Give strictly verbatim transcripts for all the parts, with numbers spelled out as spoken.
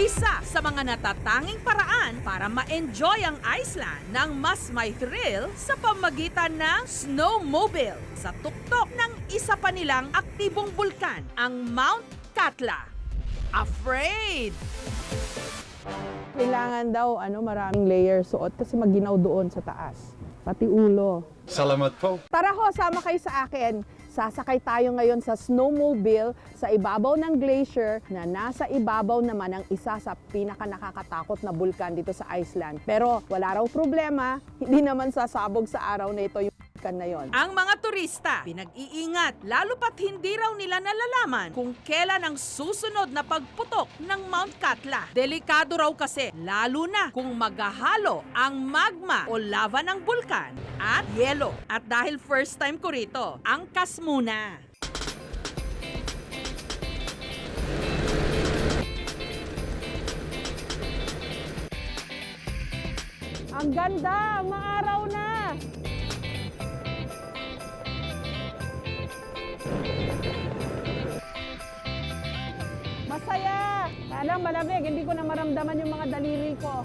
Isa sa mga natatanging paraan para ma-enjoy ang Iceland ng mas may thrill sa pamagitan ng snowmobile sa tuktok ng isa pa nilang aktibong bulkan, ang Mount Katla. Afraid! Kailangan daw ano maraming layer suot kasi maginaw doon sa taas. Pati ulo. Salamat po. Tara ho, sama kayo sa akin. Sasakay tayo ngayon sa snowmobile sa ibabaw ng glacier na nasa ibabaw naman ng isa sa pinaka nakakatakot na bulkan dito sa Iceland. Pero wala raw problema, hindi naman sasabog sa araw na ito yung bulkan na yon. Ang mga turista, pinag-iingat, lalo pat hindi raw nila nalalaman kung kailan ang susunod na pagputok ng Mount Katla. Delikado raw kasi, lalo na kung maghahalo ang magma o lava ng bulkan at yelo. At dahil first time ko rito, angkas muna. Ang ganda! Maaraw na! Masaya! Kaya malamig, hindi ko na maramdaman yung mga daliri ko.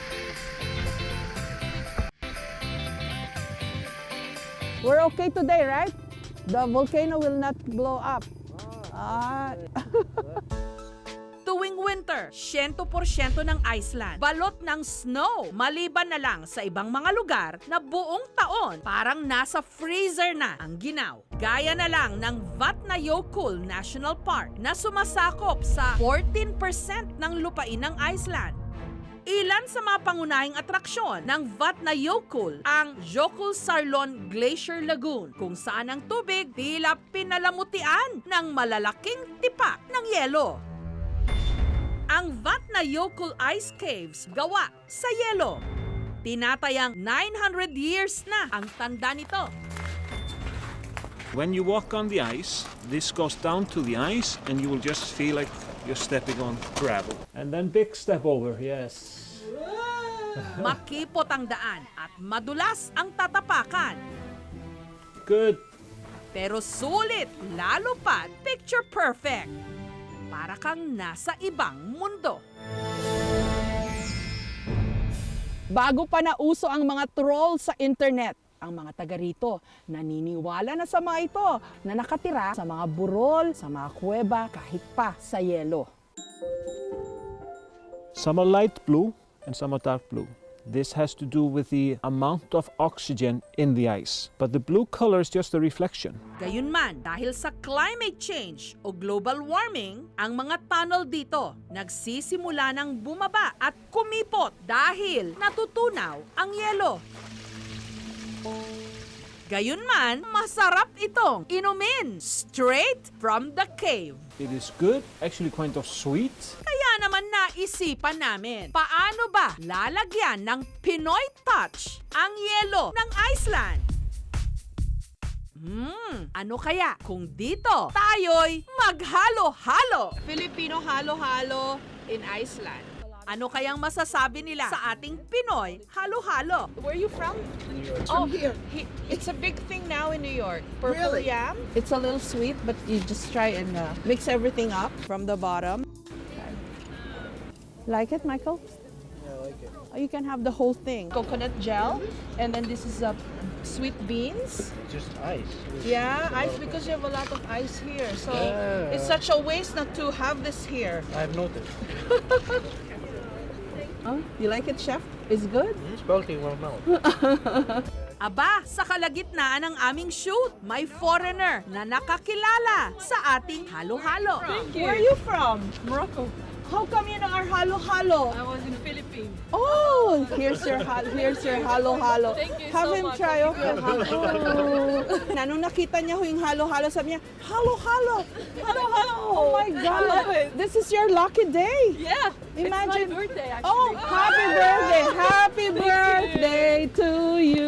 We're okay today, right? The volcano will not blow up. Ah. Tuwing winter, one hundred percent ng Iceland, balot ng snow. Maliban na lang sa ibang mga lugar na buong taon, parang nasa freezer na ang ginaw. Gaya na lang ng Vatnajökull National Park na sumasakop sa fourteen percent ng lupain ng Iceland. Ilan sa mga pangunahing atraksyon ng Vatnajökull ang Jökulsárlón Glacier Lagoon, kung saan ang tubig tila pinalamutian ng malalaking tipak ng yelo. Ang Vatnajökull Ice Caves gawa sa yelo. Tinatayang nine hundred years na ang tanda nito. When you walk on the ice, this goes down to the ice and you will just feel like you're stepping on gravel. And then big step over, yes. Makipot ang daan at madulas ang tatapakan. Good. Pero sulit, lalo pa picture perfect. Para kang nasa ibang mundo. Bago pa nauso ang mga troll sa internet, ang mga taga rito naniniwala na sa mga ito na nakatira sa mga burol, sa mga kuweba, kahit pa sa yelo. Some are light blue and some are dark blue. This has to do with the amount of oxygen in the ice. But the blue color is just a reflection. Gayunman, dahil sa climate change o global warming, ang mga tunnel dito nagsisimula ng bumaba at kumipot dahil natutunaw ang yelo. Gayunman, masarap itong inumin straight from the cave. It is good, actually kind of sweet. Kaya naman naisipan namin, paano ba lalagyan ng Pinoy touch ang yelo ng Iceland? Hmm, ano kaya kung dito tayo'y maghalo-halo? Filipino halo-halo in Iceland. Ano kayang masasabi nila sa ating Pinoy halo-halo? Where are you from? Oh, here. He, it's a big thing now in New York. Purple Really? yam. It's a little sweet, but you just try and uh, mix everything up from the bottom. Like it, Michael? Yeah, I like it. Oh, you can have the whole thing. Coconut gel, and then this is uh, sweet beans. Just ice. It's- Yeah, it's a lot ice of because you have a lot of ice here. So Yeah. it's such a waste not to have this here. I've noticed. Oh, you like it, Chef? It's good? It's melting in my mouth. Aba, sa kalagitnaan ng aming shoot, may foreigner na nakakilala sa ating halo-halo. Where are you from? Morocco. How come you know our halo-halo? I was in Philippines. Oh, here's your hal here's your halo-halo. Thank you Have so him much. try okay. Oh. Na nung nakita niya ho yung halo-halo, sabi niya, halo-halo, halo-halo. Oh my God, this is your lucky day. Yeah, Imagine. it's my birthday actually. Oh, happy birthday, happy birthday to you.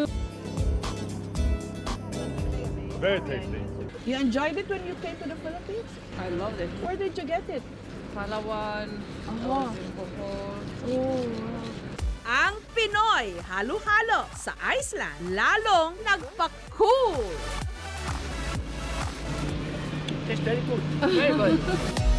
Very tasty. You enjoyed it when you came to the Philippines? I love it. Where did you get it? Palawan, Oh. in Bohol. Oh. Ang Pinoy halo-halo sa Iceland lalong nagpa-cool. Tastes very good. Very good.